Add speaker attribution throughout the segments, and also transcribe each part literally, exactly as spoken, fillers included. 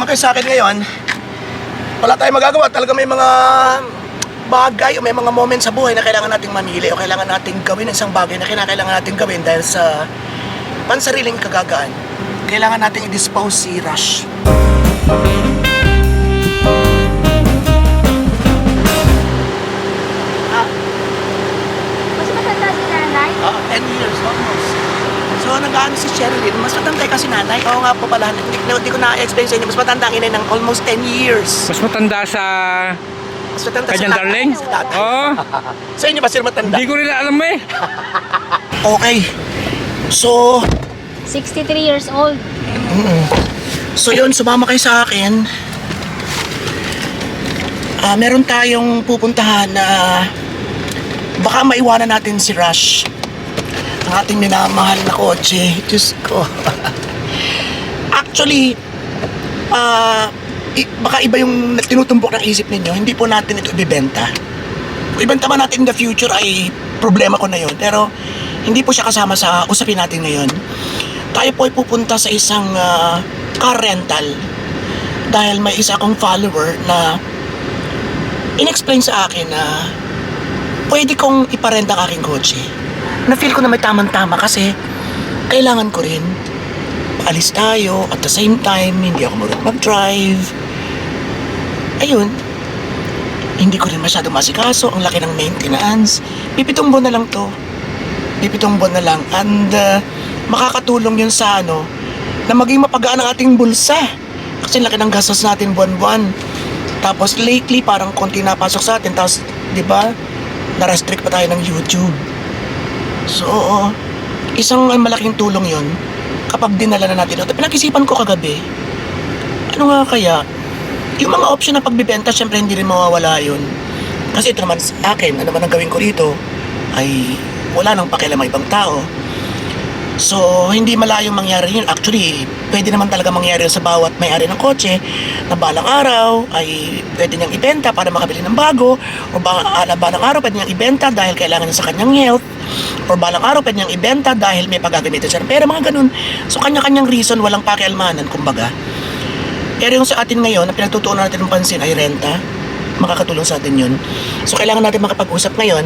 Speaker 1: sumama kayo sa akin ngayon, wala tayong magagawa. Talaga may mga bagay o may mga moment sa buhay na kailangan nating mamili o kailangan nating gawin isang bagay na kinakailangan nating gawin dahil sa pansariling kagagaan. Kailangan nating i-dispose si Rush.
Speaker 2: Mas matanda si nanay?
Speaker 1: Ah, ten years almost. So, nag-ano si Sherilyn, mas matanda kasi nanay. Oo nga po pala, hindi, hindi ko na-explain sa inyo, mas matanda ang inay ng almost ten years.
Speaker 3: Mas matanda sa
Speaker 1: Mas matanda
Speaker 3: kanyang
Speaker 1: sa
Speaker 3: darling?
Speaker 1: Sa tatay.
Speaker 3: Oo.
Speaker 1: Sa inyo ba sila matanda?
Speaker 3: Hindi ko rin alam eh.
Speaker 1: Okay. So,
Speaker 2: sixty-three years old.
Speaker 1: mm, so yun, sumama kayo sa akin. Ah, meron tayong pupuntahan na baka maiwanan natin si Rush. Ang ating minamahal na kotse. Diyos ko. Actually, ah, i- baka iba yung tinutumbok ng isip ninyo. Hindi po natin ito ibibenta. Kung ibenta man natin in the future ay problema ko na yun. Pero hindi po siya kasama sa usapin natin ngayon. Tayo po ay pupunta sa isang ah, car rental dahil may isa akong follower na in-explain sa akin na pwede kong iparent ang aking kotse. Na-feel ko na may tamang-tama kasi kailangan ko rin. Paalis tayo at the same time hindi ako marunong mag-drive. Ayun, hindi ko rin masyado masikaso. Ang laki ng maintenance. Pipitong buwan na lang to. Pipitong buwan na lang. And uh, makakatulong yun sa ano, na maging mapagaan ang ating bulsa. Kasi laki ng gastos natin buwan-buwan. Tapos lately parang konti napasok sa atin. Tapos, di ba, na-restrict pa tayo ng YouTube. So, oo, isang uh, malaking tulong yun kapag dinala na natin. At pinag-isipan ko kagabi, ano nga kaya, yung mga option na pagbibenta, syempre hindi rin mawawala yun. Kasi ito naman sa akin, ano naman ang gawin ko rito, ay wala nang pakialam ang ibang tao. So, hindi malayong mangyari yun. Actually, pwede naman talaga mangyari sa bawat may-ari ng kotse na balang araw ay pwede niyang ibenta para makabili ng bago, o ba, uh, balang araw pwede niyang ibenta dahil kailangan niya sa kanyang health, or balang araw pwede niyang ibenta dahil may paggagamitan siya. Pero mga ganun. So, kanya-kanyang reason, walang pakialmanan, kumbaga. Pero yung sa atin ngayon, na pinagtutuunan natin ng pansin ay renta. Makakatulong sa atin yun. So, kailangan natin makapag-usap ngayon.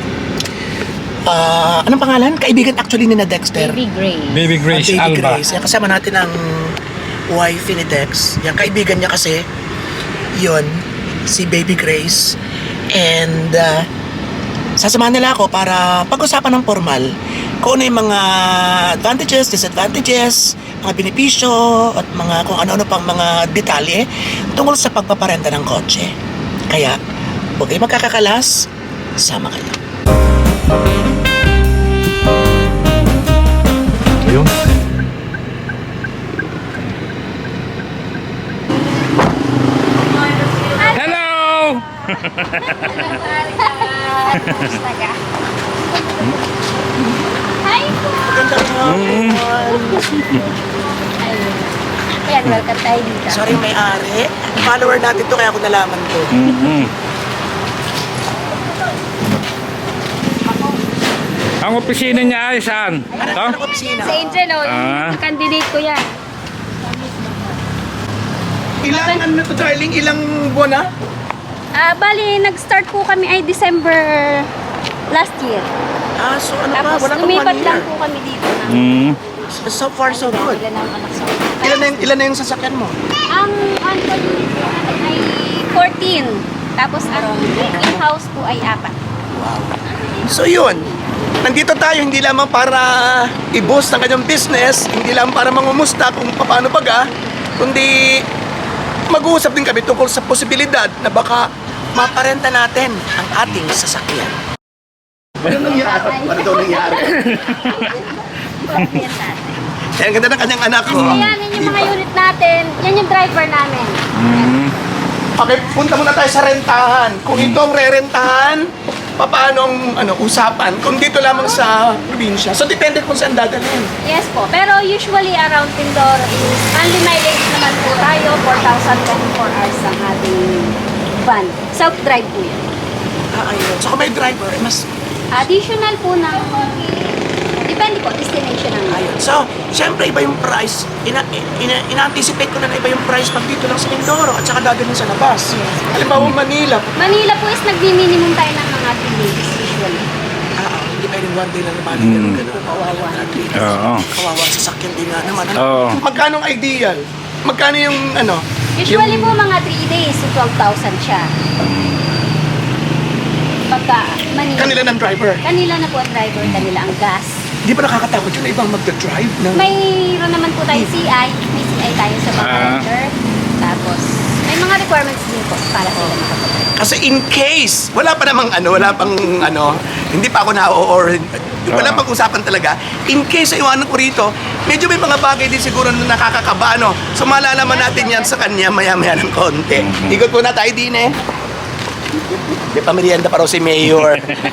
Speaker 1: Ah, anong pangalan? Kaibigan actually ni na Dexter.
Speaker 2: Baby Gray.
Speaker 3: Baby Grace
Speaker 1: Ah, Baby
Speaker 3: Alba.
Speaker 1: Grace. Yan, kasama natin ang wife ni Dex. Yan, kaibigan niya kasi yun, si Baby Grace. And uh, sasamahan nila ako para pag-usapan ng formal kung ano yung mga advantages, disadvantages, mga benepisyo, at mga kung ano-ano pang mga detalye tungkol sa pagpaparenta ng kotse. Kaya, huwag kayo magkakakalas, sama kayo.
Speaker 3: Ayun. Hello!
Speaker 2: Kamusta ka? Hi po!
Speaker 1: Magandang hapon.
Speaker 2: Ayun. Ayan, welcome tayo dito.
Speaker 1: Sorry, may-ari. Follower natin to kaya ako nalaman to.
Speaker 3: Mm-hmm. Ang opisina niya ay saan?
Speaker 1: Ano
Speaker 3: Ito?
Speaker 1: ang opisina?
Speaker 2: Sa Angel, oh,
Speaker 3: Ah.
Speaker 2: yung candidate ko yan.
Speaker 1: Ilang ano to, darling? Ilang buwan na?
Speaker 2: Ah, bali, nag-start po kami ay December last year.
Speaker 1: Ah, so ano pa?
Speaker 2: Tapos
Speaker 1: Wala pang one
Speaker 2: lumipat lang
Speaker 1: year.
Speaker 2: po kami dito. Na,
Speaker 3: Mm.
Speaker 1: So, so far, so good.
Speaker 2: Ilan ang anak sa
Speaker 1: Ilan na, yung, ilan na yung sasakyan mo?
Speaker 2: Ang on-call unit po natin ay fourteen. Tapos ang in-house po ay apat.
Speaker 1: Wow. So yun, nandito tayo hindi lamang para i-boost ang kanyang business, hindi lamang para mangumusta kung paano baga, kundi mag-uusap din kami tungkol sa posibilidad na baka maparenta natin ang ating sasakyan. Ano nangyari? Ano daw nangyari?
Speaker 2: Yan natin.
Speaker 1: Eh, ang ganda ng kanyang anak ko.
Speaker 2: Ayan, yan yung mga unit natin. Yan yung driver namin.
Speaker 3: Mm.
Speaker 1: Okay, punta muna tayo sa rentahan. Kung ito ang re-rentahan, paano ang ano, usapan? Kung dito lamang sa probinsya. So, depende kung saan dadalhin.
Speaker 2: Yes po. Pero usually around Tindoro is only mileage naman po tayo. four thousand twenty-four hours ang ating van. Self-drive po yun.
Speaker 1: Ah, ayun. So, kung may driver, eh, mas
Speaker 2: Additional po ng Depende po, destination ang
Speaker 1: Ayun. So, siyempre iba yung price. Ina, ina, ina-anticipate ko na na iba yung price pag dito lang sa Mindoro at saka dadalhin sa labas. Halimbawa, Manila.
Speaker 2: Manila po is nagmi-minimum tayo ng mga three days usually.
Speaker 1: Ah, hindi pwedeng one day lang naman. Ganun, ganun. Kawawa.
Speaker 3: Oo.
Speaker 1: Kawawa sa sakyan din nga naman. Ano?
Speaker 3: Oo.
Speaker 1: Magkano ang ideal? Magkano yung ano?
Speaker 2: Usually
Speaker 1: yung,
Speaker 2: po mga three days, so twelve thousand siya. Pagka Manila.
Speaker 1: Kanila ng driver.
Speaker 2: Kanila na po ang driver, kanila ang gas.
Speaker 1: Di ba nakakatakot yun na ibang magda-drive ng...
Speaker 2: Mayroon naman po tayo C I, may C I tayo sa mga
Speaker 3: Ah.
Speaker 2: rider. Tapos, may mga requirements din po para sila makapag
Speaker 1: Kasi in case, wala pa namang ano, wala pang ano, hindi pa ako na or wala
Speaker 3: Ah.
Speaker 1: pang usapan talaga. In case ay iwanan ko rito, medyo may mga bagay din siguro na nakakakaba, no? So malalaman natin yan sa kanya maya-maya ng konti. Ikot muna tayo din eh. May pamerienda pa raw si Mayor.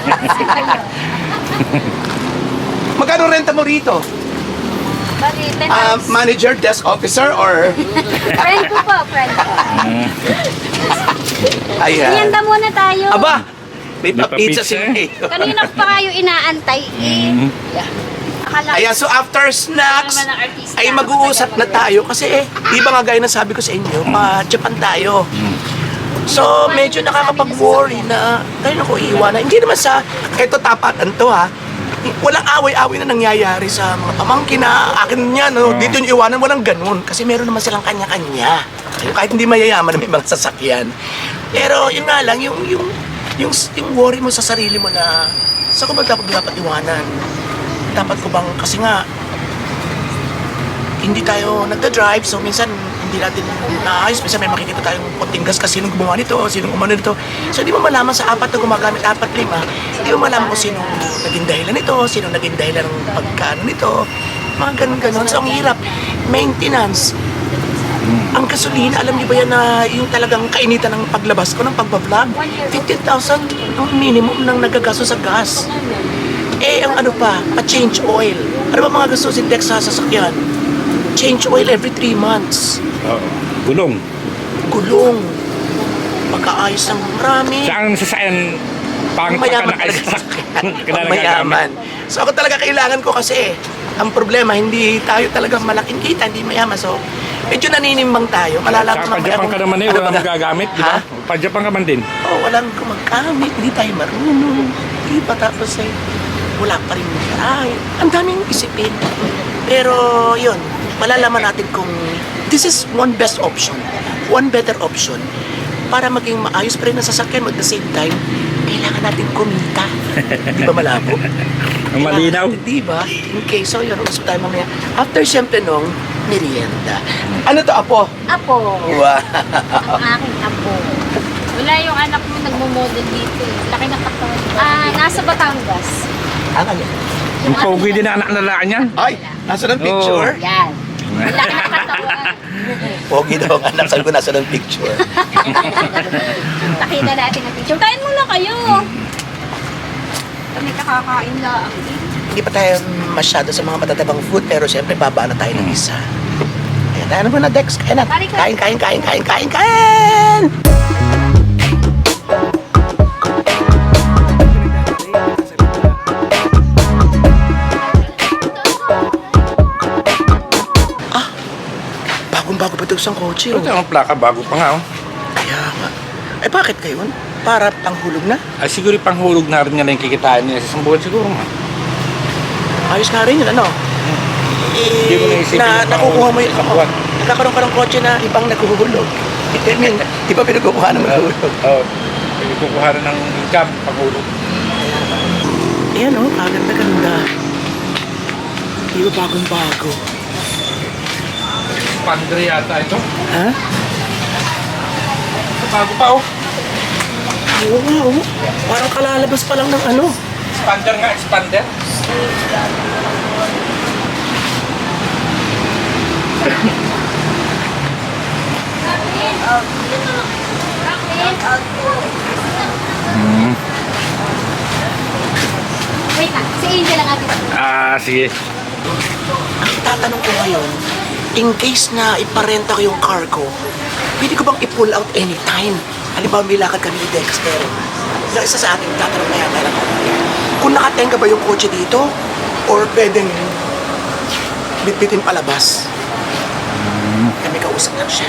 Speaker 1: Magkano renta mo rito?
Speaker 2: Bali, ten
Speaker 1: Ah,
Speaker 2: hours.
Speaker 1: manager, desk officer, or...
Speaker 2: Friend ko po, friend ko.
Speaker 1: Ayan.
Speaker 2: Merienda muna tayo.
Speaker 1: Aba, may
Speaker 3: May
Speaker 1: pa-pizza si
Speaker 3: pa-pizza.
Speaker 1: Mayor.
Speaker 2: Kanina pa kayo inaantay eh.
Speaker 3: Mhm.
Speaker 2: Yeah. Akala
Speaker 1: Ayan, so after snacks,
Speaker 2: naman ang artista.
Speaker 1: ay mag-uusap na tayo kasi eh, di ba nga gaya ng sabi ko sa inyo, pa-Japan tayo. So, medyo nakakapag-worry na, tayo naku, iiwanan. Hindi naman sa, eto tapatan to ha, walang away-away na nangyayari sa mga pamangkin na akin niya, no?
Speaker 3: Oo.
Speaker 1: Dito yung iwanan, walang ganun. Kasi meron naman silang kanya-kanya. Kahit hindi mayayaman na may mga sasakyan. Pero yun nga lang, yung, yung, yung, yung worry mo sa sarili mo na, sa ko ba dapat dapat iwanan? Dapat ko bang, kasi nga, hindi tayo nagda-drive, so minsan hindi natin naayos. Minsan may makikita tayong konting gas kasi sinong gumawa nito, sinong umano nito. So hindi mo malaman sa apat na gumagamit, apat, lima, hindi mo malaman kung sinong naging dahilan nito, sinong naging dahilan ng pagkano nito. Mga ganun-ganun. So ang hirap. Maintenance. Ang gasolina, alam niyo ba yan na yung talagang kainitan ng paglabas ko ng pagbablog? fifteen thousand ang minimum ng nagagasto sa gas. Eh, ang ano pa, pa-change oil. Ano ba mga gastusin Dex sa sasakyan? Change oil every three months.
Speaker 3: Oo. Gulong.
Speaker 1: Gulong. Pagkaayos ng marami.
Speaker 3: Saan sasakyan pangit pa ka
Speaker 1: Mayaman
Speaker 3: na
Speaker 1: talaga
Speaker 3: kayo
Speaker 1: sa
Speaker 3: Kailangan
Speaker 1: mayaman. So ako talaga kailangan ko kasi ang problema, hindi tayo talaga malaking kita, hindi mayaman. So, medyo naninimbang tayo. Malalaman
Speaker 3: Saka pa-Japan ka naman eh,
Speaker 1: ano
Speaker 3: wala
Speaker 1: ba na-
Speaker 3: magagamit, di ba?
Speaker 1: Ha?
Speaker 3: Pa-Japan ka man din.
Speaker 1: Oh, walang gumagamit, hindi tayo marunong. Di ba tapos eh, wala pa rin ay, ang daming isipin. Pero yun, malalaman natin kung this is one best option, one better option para maging maayos pa rin ang sasakyan at the same time, kailangan natin kumita. Di ba malabo?
Speaker 3: Ang malinaw.
Speaker 1: Kailangan natin, Di ba? Okay, so yun, usap tayo mamaya. After siyempre nung merienda. Ano to, Apo?
Speaker 2: Apo.
Speaker 1: Wow.
Speaker 2: Ang aking apo.
Speaker 4: Wala yung anak mo nagmo-model dito eh. Laki ng katawan.
Speaker 2: Ah, nasa Batangas.
Speaker 1: Ang ano?
Speaker 3: Yung pogi din ang anak na laan niyan.
Speaker 1: Ay, nasa ng picture?
Speaker 2: Yan. Ang laki ng katawan.
Speaker 1: Pogi daw ang anak, sabi ko nasa ng picture.
Speaker 2: Nakita natin ang picture. Kain muna kayo.
Speaker 4: Kami kakakain lang.
Speaker 1: Hindi pa tayo masyado sa mga matatabang food, pero siyempre baba na tayo ng isa. Ayan, tayo na muna, Dex. Kain na.
Speaker 2: Kain,
Speaker 1: Kain,
Speaker 2: kain.
Speaker 1: kain, kain, kain, kain, kain! Ah, bagong-bago pa ito isang kotse. Oh.
Speaker 3: Ito ang plaka, bago pa nga oh.
Speaker 1: Kaya nga. Eh, bakit kayo? Para panghulog na?
Speaker 3: Ay siguro panghulog na rin niya na yung kikitain niya sa isang buwan siguro nga.
Speaker 1: Ayos nga rin yun, ano? Eh,
Speaker 3: Hindi mo naisipin
Speaker 1: na,
Speaker 3: yung
Speaker 1: nakukuha mo
Speaker 3: panghulog
Speaker 1: yun.
Speaker 3: sa buwan.
Speaker 1: Nagkakaroon ka ng kotse na ibang nakuhulog. I mean, di ba pinagkukuha ng nakuhulog?
Speaker 3: Oo. Pwede kukuha rin ng income, panghulog.
Speaker 1: Ayan o, oh, kaganda-ganda. Di ba bagong-bago?
Speaker 3: Pandre yata ito.
Speaker 1: Ha?
Speaker 3: Bago pa oh.
Speaker 1: Oo nga, oh. Parang kalalabas pa lang ng ano.
Speaker 3: Expander nga, expander.
Speaker 2: Wait lang. Si Angel ang ating
Speaker 3: Ah, sige.
Speaker 1: Ang tatanong ko ngayon, in case na iparenta ko yung car ko, pwede ko bang i-pull out anytime? Halimbawa, may lakad kami ni Dexter. Na isa sa ating tatanong na yata lang ako. Kung nakatenga ba yung kotse dito, Or pwedeng bitbitin palabas. Kami kausap lang siya.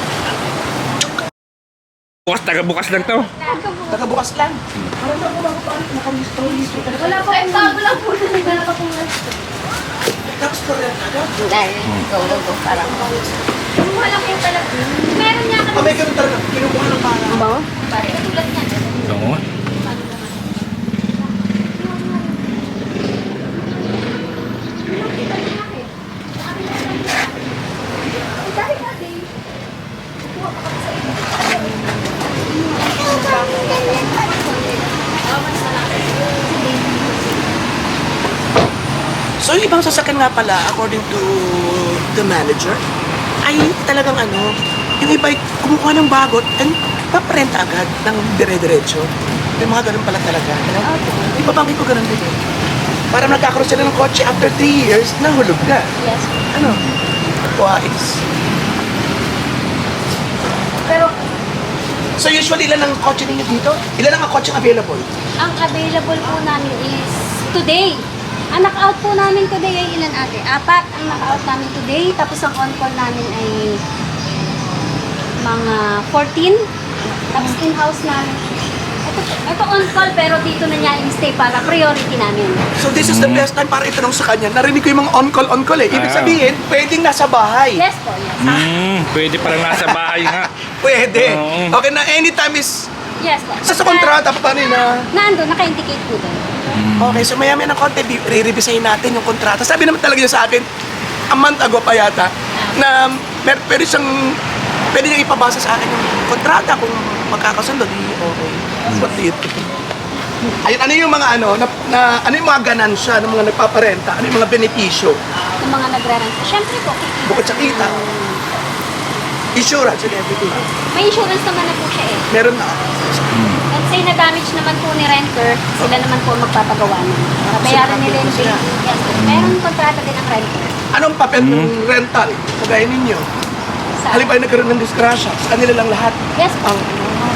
Speaker 3: Bukas, taga-bukas lang to.
Speaker 1: Tagabukas lang. Parang na ako pa nakamisto-listo.
Speaker 2: Wala po, eh, bago lang po na nagdala pa po.
Speaker 1: Tapos po rin agad.
Speaker 2: Dahil, go, go, go, parang. Kumuha lang po talaga. Meron niya
Speaker 1: Ah, may ganun talaga. Kinukuha ng parang.
Speaker 2: Ba? Parang tulad niya.
Speaker 3: Oo.
Speaker 1: So yung ibang sasakyan nga pala, according to the manager, ay talagang ano, yung iba ay kumukuha ng bagot and paparenta agad ng dire-diretso. May mga ganun pala talaga. Ano? Yung babangkin ko ganun din eh. Parang nagkakaroon sila ng kotse after three years, nahulog na.
Speaker 2: Yes.
Speaker 1: Ano? Wais.
Speaker 2: Pero,
Speaker 1: So usually ilan ang kotse ninyo dito? Ilan ang kotse available?
Speaker 2: ang available po namin is today. Ang knock-out po namin today ay ilan ate? Apat ang knock-out namin today. Tapos ang on-call namin ay mga fourteen. Tapos in-house namin. Ito, ito on-call pero dito na niya in-stay para priority namin.
Speaker 1: So this is the best time para itanong sa kanya. Narinig ko yung mga on-call, on-call eh. Ibig
Speaker 3: Ah.
Speaker 1: sabihin, pwedeng nasa bahay.
Speaker 2: Yes po, yes.
Speaker 3: Hmm, pwede parang nasa bahay nga.
Speaker 1: Pwede.
Speaker 3: Oo.
Speaker 1: Okay na, anytime is...
Speaker 2: Yes po.
Speaker 1: Sa, sa kontrata pa rin na...
Speaker 2: Nando, naka-indicate po doon.
Speaker 1: Okay, so maya maya ng konti, bi- re-revisayin natin yung kontrata. Sabi naman talaga niya sa akin, a month ago pa yata, na mer pwede siyang, pwede niyang ipabasa sa akin yung kontrata kung magkakasundo, di okay. What do you think? Ayun, ano yung mga ano, na, na, ano yung mga ganansya ng mga nagpaparenta? Ano yung mga benepisyo?
Speaker 2: Yung mga nagre-rent. Siyempre po, kikita.
Speaker 1: Bukod sa kita, insurance and everything.
Speaker 2: May insurance naman na po siya eh.
Speaker 1: Meron na.
Speaker 2: Let's say na-damage naman po ni renter, sila naman po ang magpapagawa nun. Bayaran nila yung
Speaker 1: Sila.
Speaker 2: daily. Yes, po. Meron kontrata din ang renter.
Speaker 1: Anong papel ng rental? Kagaya ninyo.
Speaker 2: Sa,
Speaker 1: Halimbawa nagkaroon ng disgrasya, sa kanila lang lahat.
Speaker 2: yes po.
Speaker 1: Ang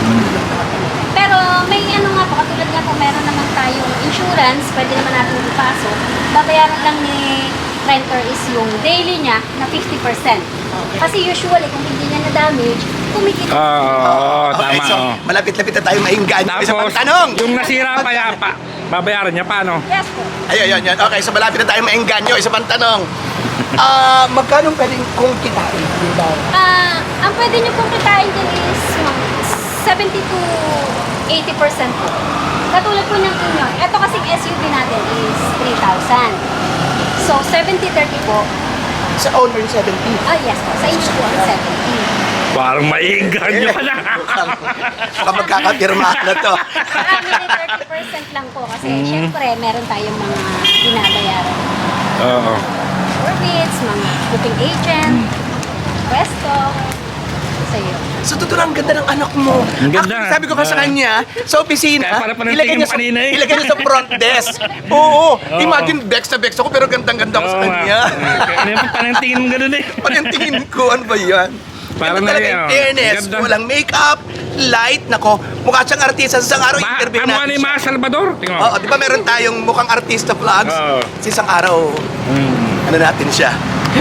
Speaker 2: Pero may ano nga po, katulad nga po, meron naman tayong insurance, pwede naman natin ipasok. Babayaran lang ni renter is yung daily niya na fifty percent. Kasi usually, kung hindi niya na-damage, kumikita.
Speaker 3: Oo,
Speaker 1: Okay,
Speaker 3: tama.
Speaker 1: so
Speaker 3: oo.
Speaker 1: malapit-lapit na tayo mainggan. Isa pang
Speaker 3: Tapos,
Speaker 1: tanong.
Speaker 3: yung nasira pa yapa, babayaran niya paano?
Speaker 2: Yes po.
Speaker 1: Ayun, yun, yun. Okay, so malapit na tayo mainggan nyo. Isa pang tanong. Ah, magkano pwedeng kung kitain? Diba?
Speaker 2: Ah, ang pwede niyo pong kitain din is mga seventy to eighty percent po. Katulad po ng inyo. Ito kasing S U V natin is three thousand. So, seventy thirty po.
Speaker 1: Sa owner, seventy.
Speaker 2: Ah, yes po. Sa inyo po, seventy.
Speaker 3: Parang maiinggan nyo ka na.
Speaker 1: Baka magkakapirma na to.
Speaker 2: Sa amin ay thirty percent lang po. Kasi, syempre, meron tayong mga binabayaran.
Speaker 3: Oo.
Speaker 2: Orbits, mga booking agent, resto. Sa iyo.
Speaker 1: So, totoo lang, ang ganda ng anak mo.
Speaker 3: Ang ganda.
Speaker 1: Actually, sabi ko ka sa
Speaker 3: Ah.
Speaker 1: kanya, sa opisina,
Speaker 3: Kaya para pa ng
Speaker 1: ilagay
Speaker 3: tingin
Speaker 1: niya
Speaker 3: mo
Speaker 1: sa,
Speaker 3: kanina eh.
Speaker 1: ilagay niya sa front desk. Oo,
Speaker 3: Oo.
Speaker 1: imagine, bex na bex ako, pero gandang-ganda ko sa
Speaker 3: Oo nga.
Speaker 1: kanya.
Speaker 3: Ano yung parang tingin mo ganun eh.
Speaker 1: Pag yung tingin ko, ano ba yan?
Speaker 3: Parang
Speaker 1: Ganda talaga
Speaker 3: na-
Speaker 1: in
Speaker 3: oh,
Speaker 1: fairness.
Speaker 3: ganda.
Speaker 1: Walang makeup, light, nako, mukha siyang artista. Sa isang araw,
Speaker 3: Ma,
Speaker 1: interview
Speaker 3: ano
Speaker 1: natin
Speaker 3: ni
Speaker 1: siya.
Speaker 3: Ma Salvador? Tingnan mo.
Speaker 1: Oo, di ba meron tayong mukhang artista vlogs?
Speaker 3: Oo.
Speaker 1: Sa isang araw,
Speaker 3: Hmm.
Speaker 1: ano natin siya?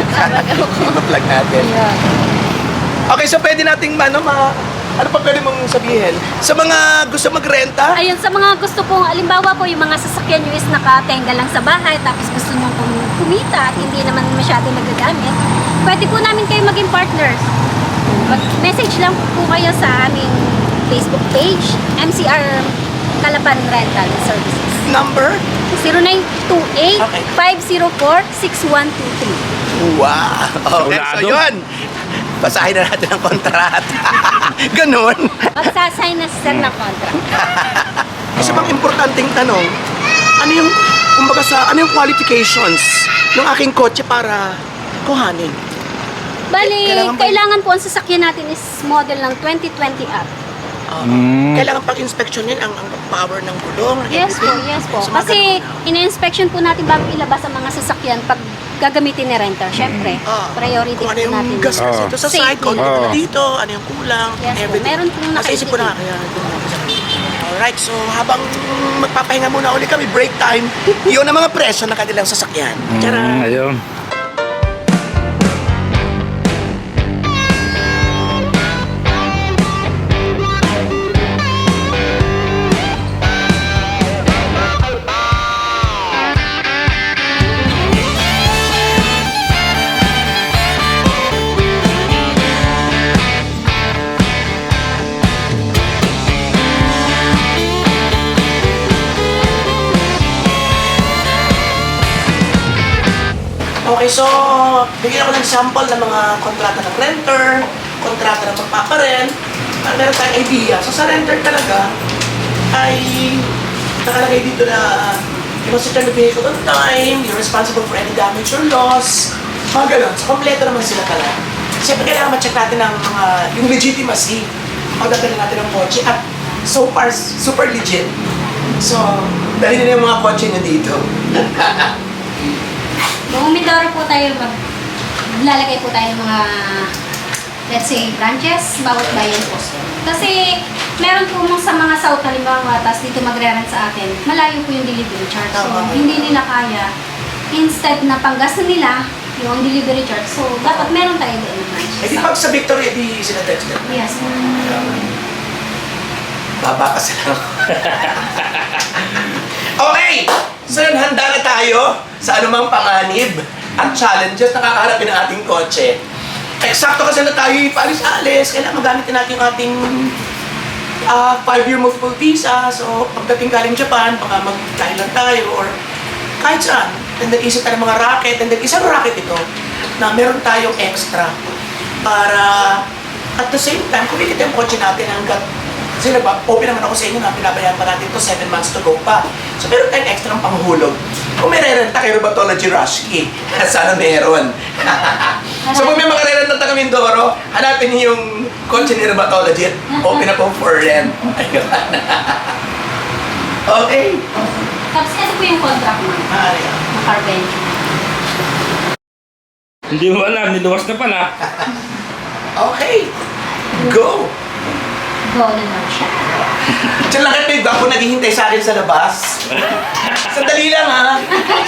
Speaker 1: Vlog natin. Okay, so pwede nating, ano, ma... Ano pa pwede mong sabihin? Sa mga gusto magrenta,
Speaker 2: Ayun, sa mga gusto pong, alimbawa po, yung mga sasakyan nyo is nakatenga lang sa bahay, tapos gusto nyo pong kumita at hindi naman masyado nagagamit, pwede po namin kayo maging partners. Mag-message lang po kayo sa aming Facebook page, M C R Calapan Rental Services.
Speaker 1: number?
Speaker 2: zero nine two eight,
Speaker 1: Okay.
Speaker 2: five zero four, six one two three.
Speaker 1: Wow! Okay, so
Speaker 3: Saulado.
Speaker 1: yun. Basahin na natin ang kontrata. Ganon.
Speaker 2: Magsasign na sir ng contract.
Speaker 1: Isa pang importanteng tanong, ano yung, kumbaga sa, ano yung qualifications ng aking kotse para kuhanin?
Speaker 2: Bali,
Speaker 1: Kailangan
Speaker 2: kailangan,
Speaker 1: ba-
Speaker 2: po ang sasakyan natin is model ng twenty twenty up.
Speaker 1: Uh,
Speaker 3: Mm.
Speaker 1: Kailangan pag-inspection yun ang, ang power ng gulong.
Speaker 2: Yes po,
Speaker 1: everything.
Speaker 2: yes po.
Speaker 1: So, mga
Speaker 2: Kasi ina-inspection po natin bago ilabas ang mga sasakyan pag gagamitin ni renter. Syempre,
Speaker 1: Ah,
Speaker 2: priority
Speaker 1: kung
Speaker 2: po
Speaker 1: ano yung
Speaker 2: natin.
Speaker 1: gas
Speaker 2: yun.
Speaker 1: kasi
Speaker 3: Oo.
Speaker 1: ito sa
Speaker 2: Safety.
Speaker 1: side, kung ano
Speaker 3: Oo.
Speaker 1: dito, ano yung kulang,
Speaker 2: Yes po,
Speaker 1: everything.
Speaker 2: meron pong
Speaker 1: Nasa isip ko na
Speaker 2: nakaisip.
Speaker 1: kaya. Alright, so habang magpapahinga muna ulit kami, break time, yun ang mga presyo ng kanilang sasakyan.
Speaker 3: Mm,
Speaker 1: Tara!
Speaker 3: ayun.
Speaker 1: Okay, so bigyan ako ng sample ng mga kontrata ng renter, kontrata ng magpaparent, para meron tayong idea. So sa renter talaga, ay nakalagay dito na you must return the vehicle on time, you're responsible for any damage or loss, mga ganun. So kompleto naman sila talaga. Siyempre kailangan ma-check natin ang mga, yung legitimacy, pagdadala natin ng kotse at so far, super legit. So, dali na yung mga kotse nyo dito.
Speaker 2: Kung Mindoro po tayo, mag lalagay po tayo ng mga, let's say, branches, bawat bayan po. Kasi, meron po mga sa mga south, halimbawa, tapos dito magre-rent sa atin, malayo po yung delivery charge. So,
Speaker 1: Tama.
Speaker 2: hindi nila kaya. Instead na panggas na nila, yung delivery charge. So, dapat meron tayo doon ng branches.
Speaker 1: Eh di pag sa Victory, di sila text them.
Speaker 2: Yes.
Speaker 1: Baba kasi lang. Okay! So yun, handa na tayo sa anumang panganib at challenges na kakaharapin ng ating kotse. Eksakto kasi na tayo paalis-alis, kailangan magamitin natin yung ating ah, five-year multiple visa. So pagdating galing Japan, baka mag-Thailand tayo or kahit saan. And then isip tayo ng mga racket, and then isang racket ito na meron tayong extra para at the same time, kumikita yung kotse natin hanggat kasi nag-open naman ako sa inyo na pinabayaan pa natin to seven months to go pa. So meron tayong extra ng panghulog. Kung may re-renta kay Robatology Rushki, sana meron. So kung may mga re-renta taga Mindoro, hanapin niyo yung kotse ni Robatology at open na po for rent. Ayun. Okay.
Speaker 2: Tapos, ito po yung contract mo.
Speaker 1: Maaari ah.
Speaker 2: Na car venture.
Speaker 3: Hindi mo alam, niluwas na pala.
Speaker 1: Okay. Go!
Speaker 2: Go na lang siya.
Speaker 1: Diyan lang kayo, bago naghihintay sa akin sa labas. Sandali lang ha.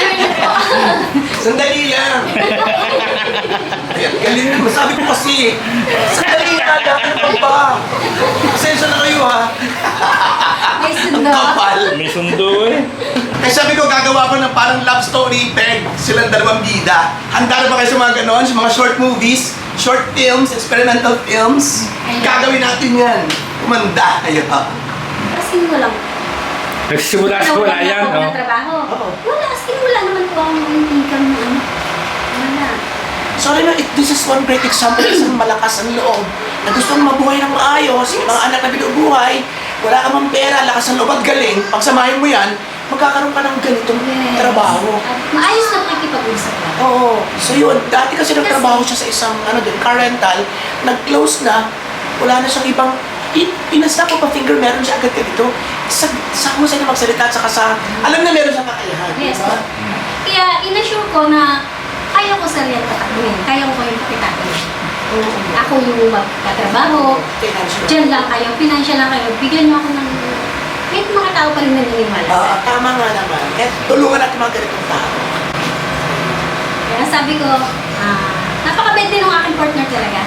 Speaker 1: Sandali lang. Ayan, galing mo. Sabi ko kasi, sandali lang. Ano pa ba? Pasensya na kayo ha.
Speaker 2: May
Speaker 1: Ang
Speaker 2: sundo.
Speaker 1: kapal.
Speaker 3: May sundo eh.
Speaker 1: Kaya sabi ko, gagawa ko ng parang love story peg. Silang dalawang bida. Handa na ba kayo sa mga ganon? Sa mga short movies, short films, experimental films? Gagawin natin yan. Kumanda. Ayun ha.
Speaker 2: Asking mo lang.
Speaker 3: Nagsisimula sa wala
Speaker 2: Wala
Speaker 3: yan.
Speaker 2: po
Speaker 3: Oh.
Speaker 2: ng trabaho.
Speaker 1: Oo.
Speaker 2: Wala, asking wala naman po ang income na ano. Wala.
Speaker 1: Sorry na, it, this is one great example ng isang malakas ang loob na gustong mabuhay ng maayos, yung mga anak na binubuhay, wala ka mang pera, lakas ng loob at galing, pagsamahin mo yan, magkakaroon ka ng ganitong
Speaker 2: Yes.
Speaker 1: trabaho.
Speaker 2: At maayos na pakikipag-usap lang.
Speaker 1: Oo. So yun, dati kasi nagtrabaho siya sa isang, ano din, car rental, nag-close na, wala na siyang ibang, i- pinasta ko pa finger, meron siya agad ganito. Sa, sa husay na magsalita, at saka sa, alam na meron siyang kakayahan.
Speaker 2: Yes.
Speaker 1: Diba?
Speaker 2: Kaya inassure ko na kaya ko sa real tatakbuhin. Kaya ko yung pakitakin.
Speaker 1: Oo.
Speaker 2: Ako yung magkatrabaho.
Speaker 1: Financial.
Speaker 2: Diyan lang kayo. Financial lang kayo. Bigyan niyo ako ng... May mga tao pa rin naniniwala sa
Speaker 1: Ah, tama nga naman. Eh, tulungan natin mga ganitong tao.
Speaker 2: Kaya sabi ko, ah, napakabait din ng aking partner talaga.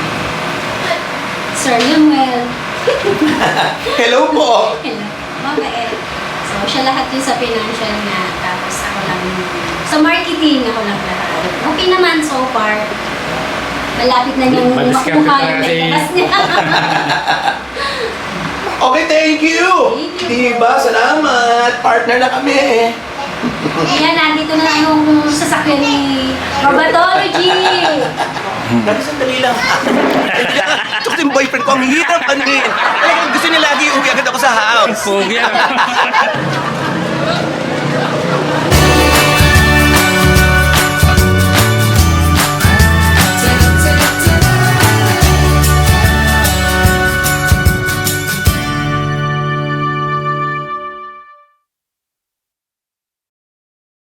Speaker 2: Sir Lemuel.
Speaker 1: Hello po!
Speaker 2: Hello. Mabait. So, siya lahat yun sa financial niya. Tapos ako lang, sa marketing, ako lang lahat. Okay naman so far. Malapit na niyang
Speaker 3: Madiskarte
Speaker 2: makuha
Speaker 3: na
Speaker 2: yung
Speaker 3: kasi.
Speaker 2: nagkakas niya.
Speaker 1: Okay, thank you!
Speaker 2: Thank you.
Speaker 1: Diba? Salamat! Partner na kami!
Speaker 2: Ayan, nandito na yung sasakyan ni Robatology.
Speaker 1: Pero sandali lang. Ito kasi yung boyfriend ko, ang hirap ano eh. Talagang gusto niya lagi uwi agad ako sa house.
Speaker 3: Pogi ah.